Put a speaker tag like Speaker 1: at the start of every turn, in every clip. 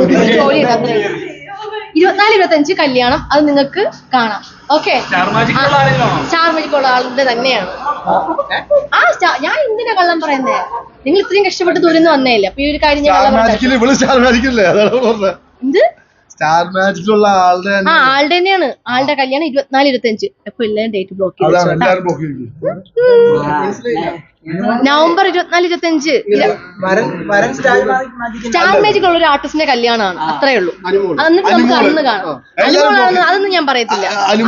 Speaker 1: ജോലി ചെയ്ത് അത്രേ 24-25 കല്യാണം അത് നിങ്ങൾക്ക് കാണാം. ഓക്കെ, സ്റ്റാർ മാജിക് ഉള്ള ആളുടെ തന്നെയാണ്. ഞാൻ എന്തിനാ കള്ളം പറയുന്നേ? നിങ്ങൾ ഇത്രയും കഷ്ടപ്പെട്ട് ദൂരം വന്നേല്ലേ, അപ്പൊ ഈ ഒരു കാര്യം ഞാൻ എന്ത്
Speaker 2: സ്റ്റാർ
Speaker 1: ആളുടെ തന്നെയാണ്. ആളുടെ കല്യാണം 24-25. അപ്പൊ എല്ലാരും ഡേറ്റ് ബ്ലോക്ക് ചെയ്തു. നവംബർ 24-25 സ്റ്റാർ മാജിക് ഉള്ള ഒരു ആർട്ടിസ്റ്റിന്റെ കല്യാണമാണ്. അത്രേ ഉള്ളൂ. എന്നിട്ട് നമുക്ക് അന്ന് കാണാം. അതൊന്നും ഞാൻ പറയത്തില്ല.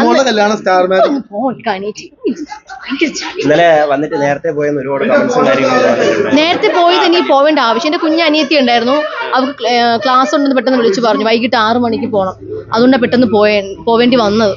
Speaker 1: നേരത്തെ പോയത് ഇനി പോവേണ്ട ആവശ്യം. എന്റെ കുഞ്ഞ് അനിയത്തി ഉണ്ടായിരുന്നു, അവർക്ക് ക്ലാസ് ഉണ്ടെന്ന് പെട്ടെന്ന് വിളിച്ചു പറഞ്ഞു. വൈകിട്ട് 6 മണിക്ക് പോകണം. അതുകൊണ്ടാണ് പെട്ടെന്ന് പോവേണ്ടി വന്നത്.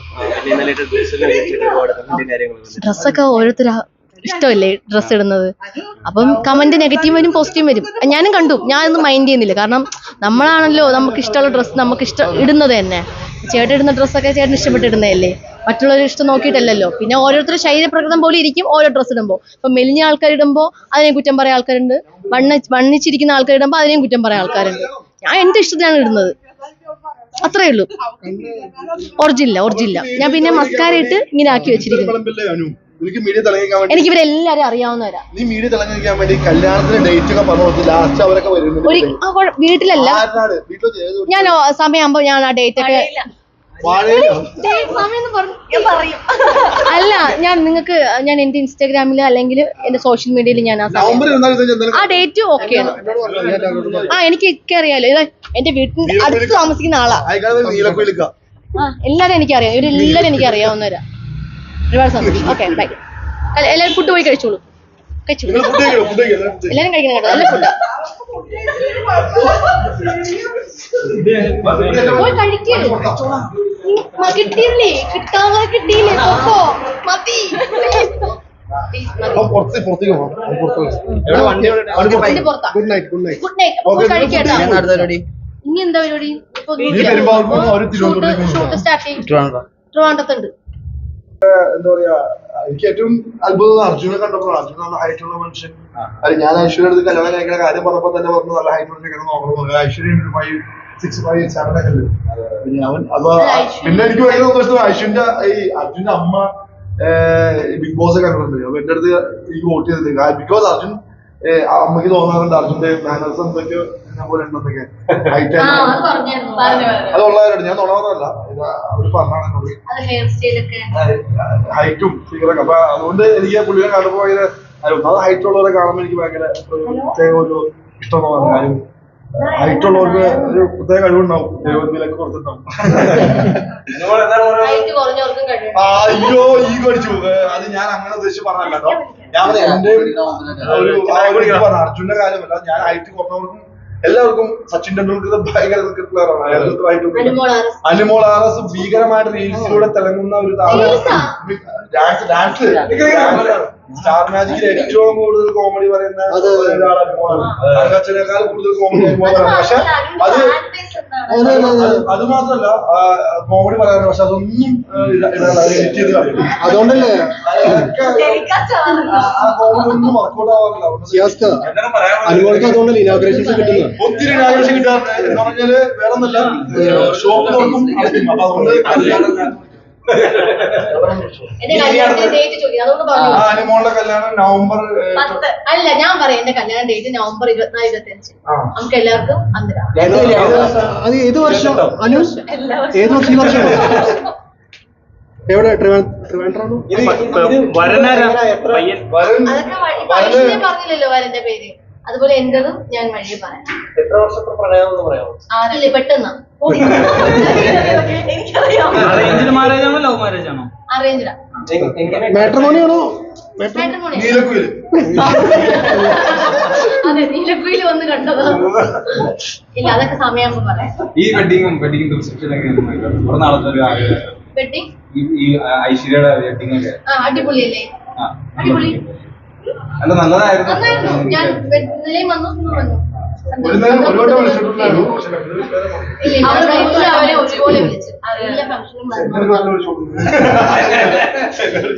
Speaker 1: ഡ്രസ്സൊക്കെ ഓരോരുത്തർ ഇഷ്ടമല്ലേ ഡ്രസ്സ് ഇടുന്നത്. അപ്പം കമന്റ് നെഗറ്റീവ് വരും പോസിറ്റീവ് വരും. ഞാനും കണ്ടു. ഞാനൊന്നും മൈൻഡ് ചെയ്യുന്നില്ല. കാരണം നമ്മളാണല്ലോ നമുക്ക് ഇഷ്ടമുള്ള ഡ്രസ്സ് നമുക്ക് ഇടുന്നത് തന്നെ. ചേട്ടൻ ഇടുന്ന ഡ്രസ്സൊക്കെ ചേട്ടൻ ഇഷ്ടപ്പെട്ടിടുന്നതല്ലേ, മറ്റുള്ളവർ ഇഷ്ടം നോക്കിയിട്ടല്ലല്ലോ. പിന്നെ ഓരോരുത്തരുടെ ശരീരപ്രകൃതം പോലെ ഇരിക്കും ഓരോ ഡ്രസ്സ് ഇടുമ്പോൾ. ഇപ്പൊ മെലിഞ്ഞ ആൾക്കാരിടുമ്പോൾ അതിനെയും കുറ്റം പറയാൻ ആൾക്കാരുണ്ട്, വണ്ണിച്ചിരിക്കുന്ന ആൾക്കാരിടുമ്പോൾ അതിനെയും കുറ്റം പറയാൻ ആൾക്കാരുണ്ട്. ഞാൻ എന്റെ ഇഷ്ടത്തിനാണ് ഇടുന്നത്, അത്രേ ഉള്ളൂ. ഒറിജിനല്ല. ഞാൻ പിന്നെ മസ്കാര ഇട്ട് ഇങ്ങനെ ആക്കി വെച്ചിരിക്കുന്നു. എനിക്ക് ഇവരെല്ലാരും അറിയാവുന്നവരാ. വീട്ടിലല്ല, ഞാൻ സമയമാകുമ്പോ ഞാൻ ആ ഡേറ്റ് ഒക്കെ അല്ല, ഞാൻ നിങ്ങൾക്ക് ഞാൻ എന്റെ ഇൻസ്റ്റാഗ്രാമില് അല്ലെങ്കിൽ എന്റെ സോഷ്യൽ മീഡിയയിൽ ഞാൻ ആ ഡേറ്റ് ഓക്കെയാണ്. എനിക്ക് അറിയാലോ, എന്റെ വീട്ടിൽ അടുത്ത് താമസിക്കുന്ന ആളാ. എല്ലാരും എനിക്കറിയാം, ഇവരെല്ലാരും എനിക്ക് അറിയാവുന്നവരാ. ഒരുപാട് സന്തോഷം. Okay, by. എല്ലാരും ഫുഡ് പോയി കഴിച്ചോളൂ. എല്ലാരും കഴിക്കണം കേട്ടോ, നല്ല ഫുഡാ. പോയി കിട്ടിയില്ലേ, കിട്ടിയില്ലേ മതി. Good night. ഇനി എന്താ പരിപാടി? ഷൂട്ട് സ്റ്റാർട്ട് ചെയ്യും. ട്രിവാൻഡ്രത്തുണ്ട്.
Speaker 2: എന്താ പറയാ, എനിക്ക് ഏറ്റവും അത്ഭുതം അർജുനെ കണ്ടപ്പോൾ. അർജുൻ നല്ല ഹൈറ്റ് ഉള്ള മനുഷ്യൻ. അത് ഞാൻ ഐശ്വര്യ അടുത്ത് കല്യാണം കഴിക്കുന്ന കാര്യം പറഞ്ഞപ്പോ തന്നെ പറഞ്ഞു നല്ല ഹൈറ്റ് ഉള്ള നോക്കണം. ഐശ്വര്യ 5'6", 5'7" ഒക്കെ ഉണ്ട്. അവൻ അപ്പൊ പിന്നെ എനിക്ക് ഭയങ്കര സന്തോഷം. ഐശ്വര്യന്റെ അർജുന്റെ അമ്മ ബിഗ് ബോസ് കണ്ടിട്ടുണ്ട്. അപ്പൊ എന്റെ അടുത്ത് എനിക്ക് വോട്ട് ചെയ്തിട്ടില്ല. ബിക്കോസ് അർജുൻ അമ്മയ്ക്ക് തോന്നാറുണ്ട് അർജുന്റെ മാനേഴ്സ് എന്തൊക്കെയോ പോലെ ഉണ്ടെന്നൊക്കെ. ഹൈറ്റ് അതുള്ളവരുണ്ട്, ഞാൻ തോന്നാറല്ല, അവര് പറഞ്ഞാണ് എന്നോട് ഹൈറ്റും ഫിഗറൊക്കെ. അപ്പൊ അതുകൊണ്ട് എനിക്ക് പുള്ളിയെ കാണുമ്പോ ഭയങ്കര ഒന്നാമത് ഹൈറ്റ് ഉള്ളവരെ കാണുമ്പോൾ എനിക്ക് ഭയങ്കര പ്രത്യേക ഒരു ഇഷ്ടം തോന്നുന്നു. കാര്യം ഹൈറ്റ് ഉള്ളവർക്ക് ഒരു പ്രത്യേക കഴിവുണ്ടാവും, ദൈവത്തിലൊക്കെ കൊടുത്തിട്ടുണ്ടാവും. അയ്യോ ഈ കടിച്ചു, അത് ഞാൻ അങ്ങനെ ഉദ്ദേശിച്ച് പറഞ്ഞല്ലോ. ഞാൻ എന്റെ ഒരു അർജുന്റെ കാര്യമല്ല, ഞാൻ ഹൈറ്റ് കുറഞ്ഞവർക്കും എല്ലാവർക്കും സച്ചിൻ ടെണ്ടുൽക്കർ ഭയങ്കര ക്രിക്കറ്റ് പ്ലെയറാണ്. അനുമോൾ ആർഎസ് ഭീകരമായിട്ട് റീൽസിലൂടെ തിളങ്ങുന്ന ഒരു ഡാൻസ് സ്റ്റാർ മാജിക്കിൽ ഏറ്റവും കൂടുതൽ കോമഡി പറയുന്ന ഒരാളാണ് അനുമോളാണ്. കൂടുതൽ കോമഡി അനുമോളാണ്. പക്ഷെ അത് മാത്രമല്ല കോമഡി പറയാറ്, പക്ഷെ അതൊന്നും എഡിറ്റ് ചെയ്ത് കളയും. അതുകൊണ്ടല്ലേ ആ കോമഡി ഒന്നും വർക്കൗട്ട് ആവാറില്ല. അതുകൊണ്ടല്ലേ ഇനാഗ്രേഷൻസ് കിട്ടുന്നത്. ഒത്തിരി ഇനാഗ്രേഷൻ കിട്ടാറുണ്ട്. എന്ന് പറഞ്ഞാല് വേറെ ഒന്നല്ല, ഷോപ്പ് നോക്കും അടയ്ക്കും. അപ്പൊ അതുകൊണ്ട് അനുമോളുടെ കല്യാണം നവംബർ
Speaker 1: അല്ല, ഞാൻ പറയാം എന്റെ കല്യാണ ഡേറ്റ് നവംബർ 24-25. നമുക്ക് എല്ലാവർക്കും
Speaker 3: അത് ഏത് വർഷം അനു? ഏത് വർഷം? ഈ വർഷം എവിടെ? ട്രിവാൻഡ്രാണോ?
Speaker 1: പറഞ്ഞില്ലല്ലോ വരന്റെ പേര്. അതുപോലെ എന്റതും ഞാൻ വഴി പറയാം.
Speaker 4: എത്ര വർഷത്തെ പ്രണയം എന്ന് പറയാമോ?
Speaker 1: ഇല്ല, പെട്ടെന്ന് അറേഞ്ച്ഡാ.
Speaker 3: മാട്രിമോണിയാണോ?
Speaker 1: അതെ, നീലക്കുയിൽ വന്ന് കണ്ടതാ. ഇല്ല, അതൊക്കെ സമയമാകുമ്പോ പറയാം.
Speaker 4: ഈ വെഡിങ്
Speaker 1: വെഡിങ്
Speaker 4: ഐശ്വര്യയുടെ വെഡിങ് ഒക്കെ
Speaker 1: അടിപൊളിയല്ലേ? അടിപൊളി,
Speaker 4: അല്ല നല്ലതായിരുന്നു.
Speaker 1: ഞാൻ നിലയിൽ വന്നു വന്നു
Speaker 2: ഒരുപാട് വിളിച്ചിട്ടുണ്ടായിരുന്നു.
Speaker 1: അവരെ ഒരുപോലെ വിളിച്ചു. എല്ലാ ഫംഗ്ഷനും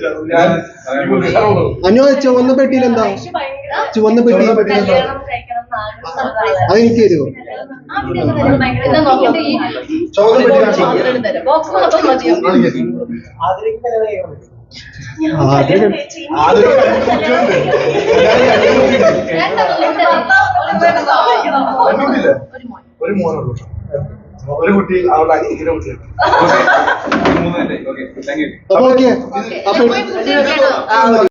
Speaker 3: അനു ചുവന്ന പെട്ടിയിൽ എന്താ? ചുവന്ന പെട്ടി അതെനിക്ക് തരുമോ?
Speaker 2: ചോദ്യം പറ്റി കാണിച്ചു ഒരു മോനുള്ളൂ. ഒരു കുട്ടി അവളുടെ അനിയത്തിനെ കുട്ടിയാണ്.
Speaker 4: Okay thank you.
Speaker 3: അപ്പൊ ഓക്കെ.
Speaker 1: ഓക്കെ.
Speaker 3: അപ്പൊ